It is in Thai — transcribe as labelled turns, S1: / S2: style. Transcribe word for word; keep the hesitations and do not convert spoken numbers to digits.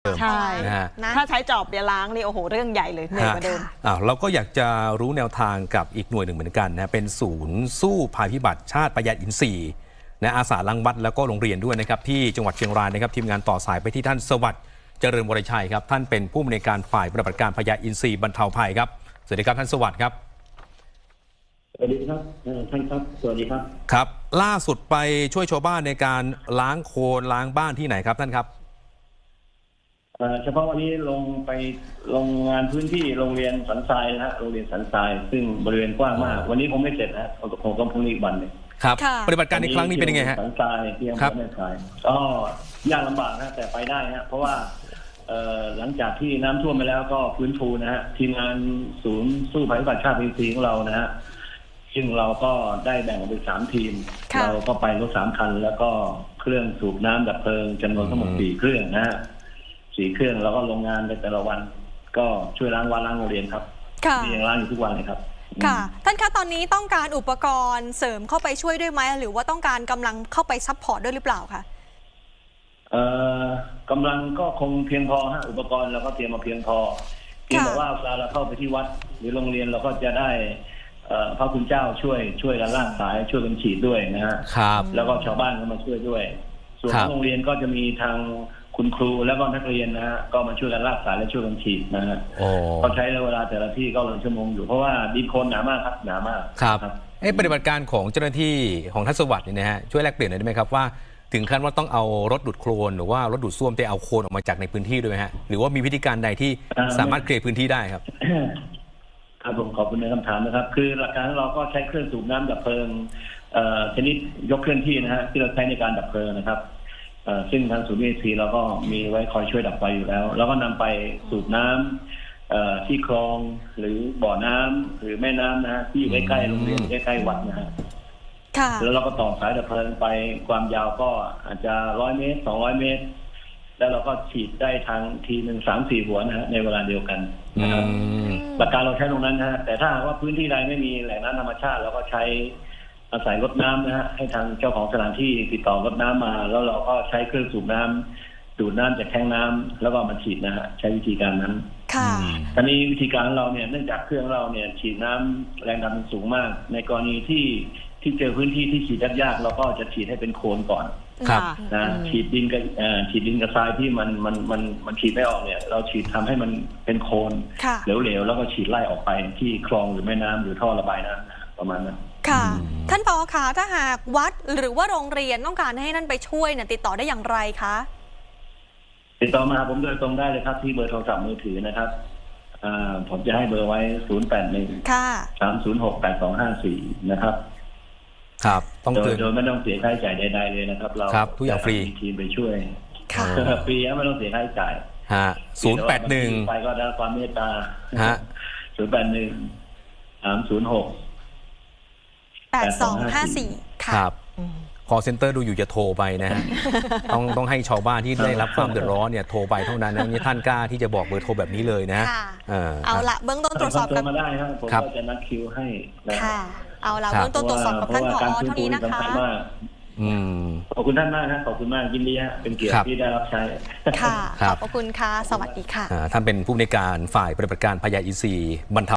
S1: ใช่
S2: นะฮะ
S1: ถ้าใช้จอบเดี๋ยวล้างนี่โอ้โหเรื่องใหญ่เลยเหนื่อยกว่าเดิม
S2: อ้าวเราก็อยากจะรู้แนวทางกับอีกหน่วยหนึ่งเหมือนกันนะเป็นศูนย์สู้ภัยพิบัติชาติประหยัดอินทรีย์นะอาสาล้างวัดแล้วก็โรงเรียนด้วยนะครับที่จังหวัดเชียงรายนะครับทีมงานต่อสายไปที่ท่านสวัสดิ์เจริญวรชัยครับท่านเป็นผู้อำนวยการฝ่ายปฏิบัติการพยาอินทรีย์บรรเทาภัยครับสวัสดีครับท่านสวัสดิ์ครับ
S3: สวัสดีครับท่านครับสวัสดีครับ
S2: ครับล่าสุดไปช่วยชาวบ้านในการล้างโคลนล้างบ้านที่ไหนครับท่านครับ
S3: เฉพาะวันนี้ลงไปลงงานพื้นที่โรงเรียนสันทรายนะฮะโรงเรียนสันทรายซึ่งบริเวณกว้างมากวันนี้ผมไม่เสร็จนะคงต้องพรุ่งนี้วันนึง
S2: ครับปฏิบัติการในครั้งนี้เป็นยังไงฮะ
S3: สันทรายที่อำเภอแม่สายก็ยากลำบากนะแต่ไปได้ฮะเพราะว่าหลังจากที่น้ำท่วมไปแล้วก็ฟื้นฟูนะฮะทีมงานศูนย์สู้ภัยพิบัติชาติอินทรีย์ของเรานะฮะซึ่งเราก็ได้แบ่งออกเป็นสามทีมเราก็ไปรถสามคันแล้วก็เครื่องสูบน้ำดับเพลิงจำนวนทั้งหมดสี่เครื่องนะฮะสี่เครื่องแล้วก็ลงงานในแต่ละวันก็ช่วยล้างวัดล้างโรงเรียนครับมีอย่างล้างอยู่ทุกวันเลยครับ
S4: ค่ะท่านคะตอนนี้ต้องการอุปกรณ์เสริมเข้าไปช่วยด้วยไหมหรือว่าต้องการกำลังเข้าไปซัพพอร์ตด้วยหรือเปล่าคะ
S3: เอ่อกำลังก็คงเพียงพอฮะอุปกรณ์เราก็เตรียมมาเพียงพอเพียงแต่ว่าเวลาเราเข้าไปที่วัดหรือโรงเรียนเราก็จะได้พระคุณเจ้าช่วยช่วยกันลากสายช่วยกันฉีดด้วยนะฮะ
S2: ครับ
S3: แล้วก็ชาวบ้านก็มาช่วยด้วยส่วนโรงเรียนก็จะมีทางคุณครูแล้วก็นักเรียนนะฮะก็มาช่วยกันลากสายและช่วยกันฉีดนะฮะเขาใช้เวลาแต่ละที่ก็หลายชั่วโมงอยู่เพราะว่าดินโคลนหนามากครับหนามาก
S2: ครับเอ๊ะปฏิบัติการของเจ้าหน้าที่ของท่านสวัสดิ์เนี่ยนะฮะช่วยแลกเปลี่ยนหน่อยได้ไหมครับว่าถึงขั้นว่าต้องเอารถดูดโคลนหรือว่ารถดูดซ่วมไปเอาโคลนออกมาจากในพื้นที่ด้วยไหมฮะหรือว่ามีวิธีการใดที่สามารถเคลียร์พื้นที่ได้ครับ
S3: ครับผมขอบคุณในคำถามนะครับคือหลักการเราก็ใช้เครื่องสูบน้ำดับเพลิงชนิดยกเคลื่อนที่นะฮะที่เราใช้ในการดับเพลิงนะครับซึ่งทางศูนย์ อี ซี เราก็มีไว้คอยช่วยดับไฟอยู่แล้วแล้วก็นำไปสูบน้ำที่คลองหรือบ่อน้ำหรือแม่น้ำนะฮะที่อยู่ใกล้ๆโรงเรียนใกล้ๆวัดนะฮะแล้วเราก็ต่อสายดับเพลิงไปความยาวก็อาจจะร้อยเมตรสองร้อยเมตรแล้วเราก็ฉีดได้ทางทีหนึ่งสามสี่หัวนะฮะในเวลาเดียวกันนะครับหลักการเราใช้ตรงนั้นนะฮะแต่ถ้าว่าพื้นที่ใดไม่มีแหล่งน้ำธรรมชาติเราก็ใช้อาศัยรถน้ำนะฮะให้ทางเจ้าของสถานที่ติดต่อรถน้ำมาแล้วเราก็ใช้เครื่องสูบน้ำดูดน้ำจากแทงน้ำแล้วก็มาฉีดนะฮะใช้วิธีการนั้น
S4: ค่ะ
S3: ตอนนี้วิธีการเราเนี่ยเนื่องจากเครื่องเราเนี่ยฉีดน้ำแรงดันสูงมากในกรณีที่ที่เจอพื้นที่ที่ฉีดยากๆเราก็จะฉีดให้เป็นโคลนก่อน
S2: ครับ
S3: นะฉีดดินกับฉีดดินกับทรายที่มันมันมันมันฉีดไม่ออกเนี่ยเราฉีดทำให้มันเป็นโคลนเหลวๆแล้วก็ฉีดไล่ออกไปที่คลองหรือแม่น้ำหรือท่อระบายน้ำประมาณนั้น
S4: ค่ะท่านผอ.คะถ้าหากวัดหรือว่าโรงเรียนต้องการให้นั่นไปช่วยเนี่ยติดต่อได้อย่างไรคะ
S3: ติดต่อมาผมโดยตรงได้เลยครับที่เบอร์โทรศัพท์มือถือนะครับผมจะให้เบอร์ไว้ศูนย์ แปด หนึ่ง สาม ศูนย์ หก แปด สอง ห้า สี่นะครับ
S2: ครับต้อง
S3: โดยโดยไม่ต้องเสียค่าใช้จ่ายใดๆเลยนะครับเรา
S2: ทุกอย่างฟรี
S3: ทีมไปช่วยฟรีไม่ต้องเสียค่าใช้จ่าย
S2: ฮะศูนย์ แปด หนึ่ง
S3: ไปก็ได้ความเมตตา
S2: ฮะ
S3: ศูนย์ แปด หนึ่ง สาม ศูนย์ หก
S4: แปด สอง ห้า สี่
S2: ครับคอลเซ็นเตอร์ดูอยู่จะโทรไปนะฮะต้องต้องให้ชาวบ้านที่ได้รับความเดือดร้อนเนี่ยโทรไปเท่านั้นนะนี่ท่านกล้าที่จะบอกเบอร์โทรแบบนี้เลยนะ
S4: เอาละเบื้องต้นตรวจสอบ
S3: กันมาได้ครับผมก็จะนัดคิวให้
S4: ค่ะเอาละเบื้องต้นตรวจสอบกับท่านผอ.เท่านี้นะคะ
S3: ขอบคุณท่านมากครับขอบคุณมากยินดีฮะเป็นเกียรติที่ได้รับใช้
S4: ค่ะขอบคุณค่ะสวัสดีค่ะ
S2: ท่านเป็นผู้อำนวยการฝ่ายปฏิบัติการพยาอินทรีย์บรรเทา